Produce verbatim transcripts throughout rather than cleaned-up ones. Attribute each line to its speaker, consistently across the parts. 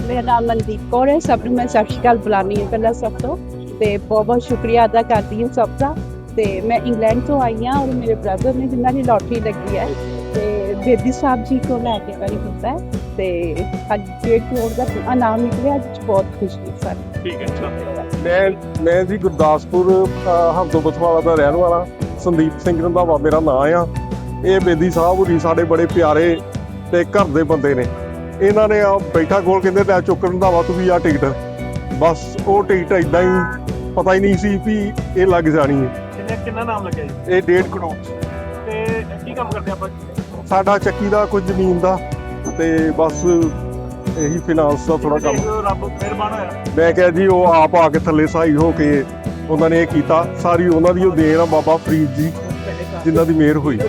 Speaker 1: ਮੇਰਾ ਨਾਮ ਮਨਦੀਪ ਕੌਰ ਹੈ। ਸਭ ਨੂੰ ਮੈਂ ਸਤਿ ਸ਼੍ਰੀ ਅਕਾਲ ਬੁਲਾਉਂਦੀ ਹਾਂ ਪਹਿਲਾਂ ਸਭ ਤੋਂ, ਤੇ ਬਹੁਤ ਬਹੁਤ ਸ਼ੁਕਰੀਆ ਅਦਾ ਕਰਦੀ ਹਾਂ ਸਭ ਦਾ। ਤੇ ਮੈਂ ਇੰਗਲੈਂਡ ਤੋਂ ਆਈ ਹਾਂ ਔਰ ਮੇਰੇ ਬ੍ਰਦਰ ਨੇ ਜਿਨ੍ਹਾਂ ਦੀ ਲੋਟਰੀ ਲੱਗੀ ਹੈ ਤੇ ਬੇਦੀ ਸਾਹਿਬ ਜੀ ਤੋਂ ਲੈ ਕੇ ਵਾਰੀ ਕੀਤਾ ਹੈ ਤੇ ਅੱਜ ਡੇਢ ਕਰੋੜ ਦਾ ਇਨਾਮ ਨਿਕਲਿਆ। ਅੱਜ ਬਹੁਤ ਖੁਸ਼ੀ ਹੈ ਸਾਨੂੰ।
Speaker 2: ਠੀਕ ਹੈ।
Speaker 3: ਮੈਂ ਮੈਂ ਜੀ ਗੁਰਦਾਸਪੁਰ ਹਰਦੋ ਬਸਵਾਲਾ ਦਾ ਰਹਿਣ ਵਾਲਾ ਸੰਦੀਪ ਸਿੰਘ ਰੰਧਾਵਾ ਮੇਰਾ ਨਾਂ ਆ। ਇਹ ਬੇਦੀ ਸਾਹਿਬ ਹੋਰੀ ਸਾਡੇ ਬੜੇ ਪਿਆਰੇ ਤੇ ਘਰ ਦੇ ਬੰਦੇ ਨੇ। ਇਹਨਾਂ ਨੇ ਆ ਬੈਠਾ ਕੋਲ ਕਹਿੰਦੇ ਲੈ ਚੁੱਕ ਰੰਧਾਵਾ ਤੂੰ ਵੀ ਆ ਟਿਕਟ। ਬਸ ਉਹ ਟਿਕਟ ਇਦਾਂ ਹੀ ਪਤਾ ਹੀ ਨਹੀਂ ਸੀ ਵੀ ਇਹ ਲੱਗ ਜਾਣੀ ਹੈ।
Speaker 2: ਕਿੰਨੇ ਕਿੰਨਾ ਨਾਮ ਲੱਗਿਆ ਜੀ?
Speaker 3: ਇਹ ਡੇਢ ਕਰੋੜ।
Speaker 2: ਤੇ ਕੀ ਕੰਮ ਕਰਦੇ ਆਪਾਂ?
Speaker 3: ਸਾਡਾ ਚੱਕੀ ਦਾ ਕੁਝ ਜ਼ਮੀਨ ਦਾ ਤੇ ਬਸ ਇਹੀ ਫਾਈਨਾਂਸ ਦਾ ਥੋੜਾ ਕੰਮ।
Speaker 2: ਰੱਬ ਮਿਹਰਬਾਨ ਹੋਇਆ।
Speaker 3: ਮੈਂ ਕਿਹਾ ਜੀ ਉਹ ਆਪ ਆ ਕੇ ਥੱਲੇ ਸਹਾਈ ਹੋ ਕੇ ਉਹਨਾਂ ਨੇ ਇਹ ਕੀਤਾ। ਸਾਰੀ ਉਹਨਾਂ ਦੀ ਉਹ ਦੇਣ ਆ ਬਾਬਾ ਫਰੀਦ ਜੀ ਜਿਨ੍ਹਾਂ ਦੀ ਮਿਹਰ ਹੋਈ।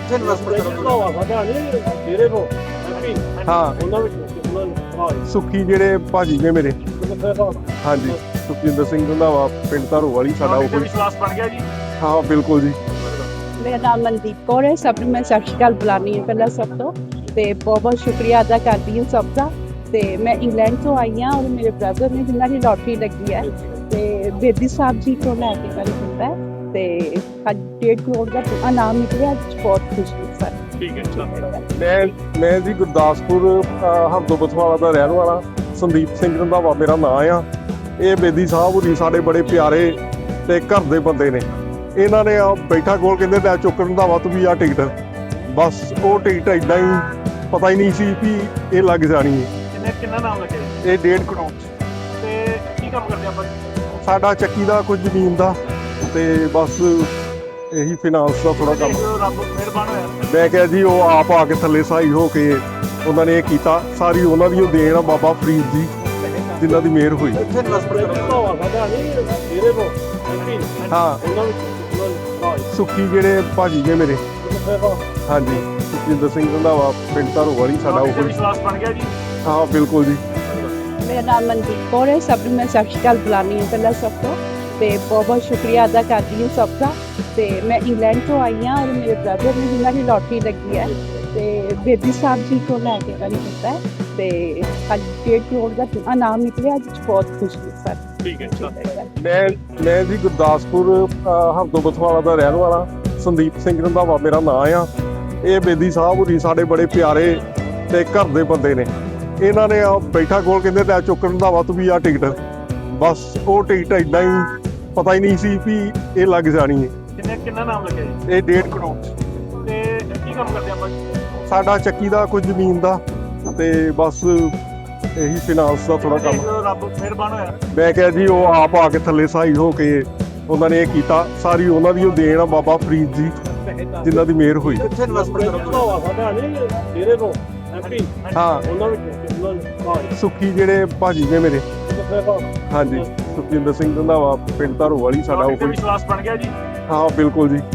Speaker 3: ਹਾਂ ਸੁੱਖੀ ਜਿਹੜੇ ਭਾਜੀ ਨੇ ਮੇਰੇ, ਹਾਂਜੀ ਸੁਖਜਿੰਦਰ ਸਿੰਘ ਰੰਧਾਵਾ ਪਿੰਡ ਧਾਰੋ ਵਾਲੀ ਸਾਡਾ ਉਹ।
Speaker 2: ਵਿਸ਼ਵਾਸ ਬਣ ਗਿਆ ਜੀ।
Speaker 3: ਹਾਂ ਬਿਲਕੁਲ ਜੀ।
Speaker 1: ਮੇਰਾ ਨਾਮ ਮਨਦੀਪ ਕੌਰ ਹੈ। ਸਭ ਨੂੰ ਮੈਂ ਸਤਿ ਸ਼੍ਰੀ ਅਕਾਲ ਬੁਲਾਉਂਦੀ ਹਾਂ ਪਹਿਲਾਂ ਸਭ ਤੋਂ, ਤੇ ਬਹੁਤ ਬਹੁਤ ਸ਼ੁਕਰੀਆ ਅਦਾ ਕਰਦੀ ਹਾਂ ਸਭ ਦਾ। ਤੇ ਮੈਂ ਇੰਗਲੈਂਡ ਤੋਂ ਆਈ ਹਾਂ ਔਰ ਮੇਰੇ ਬ੍ਰਦਰ ਨੇ ਜਿਨ੍ਹਾਂ ਦੀ ਲੋਟਰੀ ਲੱਗੀ ਹੈ ਤੇ ਬੇਦੀ ਸਾਹਿਬ ਜੀ ਤੋਂ ਲੈ ਕੇ ਵਾਰੀ ਕੀਤਾ ਹੈ ਤੇ ਅੱਜ ਡੇਢ ਕਰੋੜ ਦਾ ਇਨਾਮ ਨਿਕਲਿਆ। ਅੱਜ ਬਹੁਤ ਖੁਸ਼ੀ ਹੈ ਸਾਨੂੰ।
Speaker 2: ਠੀਕ ਹੈ।
Speaker 3: ਮੈਂ ਮੈਂ ਜੀ ਗੁਰਦਾਸਪੁਰ ਹਰਦੋ ਬਸਵਾਲਾ ਦਾ ਰਹਿਣ ਵਾਲਾ ਸੰਦੀਪ ਸਿੰਘ ਰੰਧਾਵਾ ਮੇਰਾ ਨਾਂ ਆ। ਇਹ ਬੇਦੀ ਸਾਹਿਬ ਹੋਰੀ ਸਾਡੇ ਬੜੇ ਪਿਆਰੇ ਤੇ ਘਰ ਦੇ ਬੰਦੇ ਨੇ। ਇਹਨਾਂ ਨੇ ਆ ਬੈਠਾ ਕੋਲ ਕਹਿੰਦੇ ਲੈ ਚੁੱਕ ਰੰਧਾਵਾ ਤੂੰ ਵੀ ਆ ਟਿਕਟ। ਬਸ ਉਹ ਟਿਕਟ ਇਦਾਂ ਹੀ ਪਤਾ ਹੀ ਨਹੀਂ ਸੀ ਵੀ ਇਹ ਲੱਗ ਜਾਣੀ ਹੈ।
Speaker 2: ਕਿੰਨੇ ਕਿੰਨਾ ਨਾਮ ਲੱਗਿਆ ਜੀ?
Speaker 3: ਇਹ ਡੇਢ ਕਰੋੜ।
Speaker 2: ਤੇ ਕੀ ਕੰਮ ਕਰਦੇ ਆਪਾਂ?
Speaker 3: ਸਾਡਾ ਚੱਕੀ ਦਾ ਕੁਝ ਜ਼ਮੀਨ ਦਾ ਤੇ ਬਸ ਇਹੀ ਫਾਈਨਾਂਸ ਦਾ ਥੋੜਾ ਕੰਮ।
Speaker 2: ਰੱਬ ਮਿਹਰਬਾਨ ਹੋਇਆ।
Speaker 3: ਮੈਂ ਕਿਹਾ ਜੀ ਉਹ ਆਪ ਆ ਕੇ ਥੱਲੇ ਸਹਾਈ ਹੋ ਕੇ ਉਹਨਾਂ ਨੇ ਇਹ ਕੀਤਾ। ਸਾਰੀ ਉਹਨਾਂ ਦੀ ਉਹ ਦੇਣ ਆ ਬਾਬਾ ਫਰੀਦ ਜੀ ਜਿਨ੍ਹਾਂ ਦੀ ਮਿਹਰ ਹੋਈ। ਹਾਂ ਸੁੱਖੀ ਜਿਹੜੇ ਭਾਜੀ ਨੇ ਮੇਰੇ, ਹਾਂਜੀ ਸੁਖਜਿੰਦਰ ਸਿੰਘ ਰੰਧਾਵਾ ਪਿੰਡ ਧਾਰੋ ਵਾਲੀ ਸਾਡਾ ਉਹ।
Speaker 2: ਵਿਸ਼ਵਾਸ ਬਣ ਗਿਆ ਜੀ।
Speaker 3: ਹਾਂ ਬਿਲਕੁਲ ਜੀ।
Speaker 1: ਮੇਰਾ ਨਾਮ ਮਨਦੀਪ ਕੌਰ ਹੈ। ਸਭ ਨੂੰ ਮੈਂ ਸਤਿ ਸ਼੍ਰੀ ਅਕਾਲ ਬੁਲਾਉਂਦੀ ਹਾਂ ਪਹਿਲਾਂ ਸਭ ਤੋਂ, ਤੇ ਬਹੁਤ ਬਹੁਤ ਸ਼ੁਕਰੀਆ ਅਦਾ ਕਰਦੀ ਹਾਂ ਸਭ ਦਾ। ਤੇ ਮੈਂ ਇੰਗਲੈਂਡ ਤੋਂ ਆਈ ਹਾਂ ਔਰ ਮੇਰੇ ਬ੍ਰਦਰ ਨੇ ਜਿਨ੍ਹਾਂ ਦੀ ਲੋਟਰੀ ਲੱਗੀ ਹੈ ਤੇ ਬੇਦੀ ਸਾਹਿਬ ਜੀ ਤੋਂ ਲੈ ਕੇ ਵਾਰੀ ਕੀਤਾ ਹੈ ਤੇ ਅੱਜ ਡੇਢ ਕਰੋੜ ਦਾ ਇਨਾਮ ਨਿਕਲਿਆ। ਅੱਜ ਬਹੁਤ ਖੁਸ਼ੀ ਹੈ ਸਾਨੂੰ।
Speaker 2: ਠੀਕ ਹੈ।
Speaker 3: ਮੈਂ ਮੈਂ ਜੀ ਗੁਰਦਾਸਪੁਰ ਹਰਦੋ ਬਸਵਾਲਾ ਦਾ ਰਹਿਣ ਵਾਲਾ ਸੰਦੀਪ ਸਿੰਘ ਰੰਧਾਵਾ ਮੇਰਾ ਨਾਂ ਆ। ਇਹ ਬੇਦੀ ਸਾਹਿਬ ਹੋਰੀ ਸਾਡੇ ਬੜੇ ਪਿਆਰੇ ਤੇ ਘਰ ਦੇ ਬੰਦੇ ਨੇ। ਇਹਨਾਂ ਨੇ ਆ ਬੈਠਾ ਕੋਲ ਕਹਿੰਦੇ ਲੈ ਚੁੱਕ ਰੰਧਾਵਾ ਤੂੰ ਵੀ ਆ ਟਿਕਟ। ਬਸ ਉਹ ਟਿਕਟ ਇਦਾਂ ਹੀ ਪਤਾ ਹੀ ਨਹੀਂ ਸੀ ਵੀ ਇਹ ਲੱਗ ਜਾਣੀ ਹੈ।
Speaker 2: ਕਿੰਨੇ ਕਿੰਨਾ ਨਾਮ ਲੱਗਿਆ ਜੀ?
Speaker 3: ਇਹ ਡੇਢ ਕਰੋੜ।
Speaker 2: ਤੇ ਕੀ ਕੰਮ ਕਰਦੇ ਆਪਾਂ?
Speaker 3: ਸਾਡਾ ਚੱਕੀ ਦਾ ਕੁਝ ਜ਼ਮੀਨ ਦਾ ਤੇ ਬਸ ਇਹੀ ਫਾਈਨਾਂਸ ਦਾ ਥੋੜਾ ਕੰਮ।
Speaker 2: ਰੱਬ ਮਿਹਰਬਾਨ ਹੋਇਆ। ਮੈਂ
Speaker 3: ਮੈਂ ਕਿਹਾ ਜੀ ਉਹ ਆਪ ਆ ਕੇ ਥੱਲੇ ਸਹਾਈ ਹੋ ਕੇ ਉਹਨਾਂ ਨੇ ਇਹ ਕੀਤਾ। ਸਾਰੀ ਉਹਨਾਂ ਦੀ ਉਹ ਦੇਣ ਆ ਬਾਬਾ ਫਰੀਦ ਜੀ ਜਿਨ੍ਹਾਂ ਦੀ ਮਿਹਰ ਹੋਈ। ਹਾਂ ਸੁੱਖੀ ਜਿਹੜੇ ਭਾਜੀ ਨੇ ਮੇਰੇ, ਹਾਂਜੀ ਸੁਖਜਿੰਦਰ ਸਿੰਘ ਰੰਧਾਵਾ ਪਿੰਡ ਧਾਰੋ ਵਾਲੀ ਸਾਡਾ ਉਹ।
Speaker 2: ਵਿਸ਼ਵਾਸ ਬਣ ਗਿਆ ਜੀ।
Speaker 3: ਹਾਂ ਬਿਲਕੁਲ ਜੀ।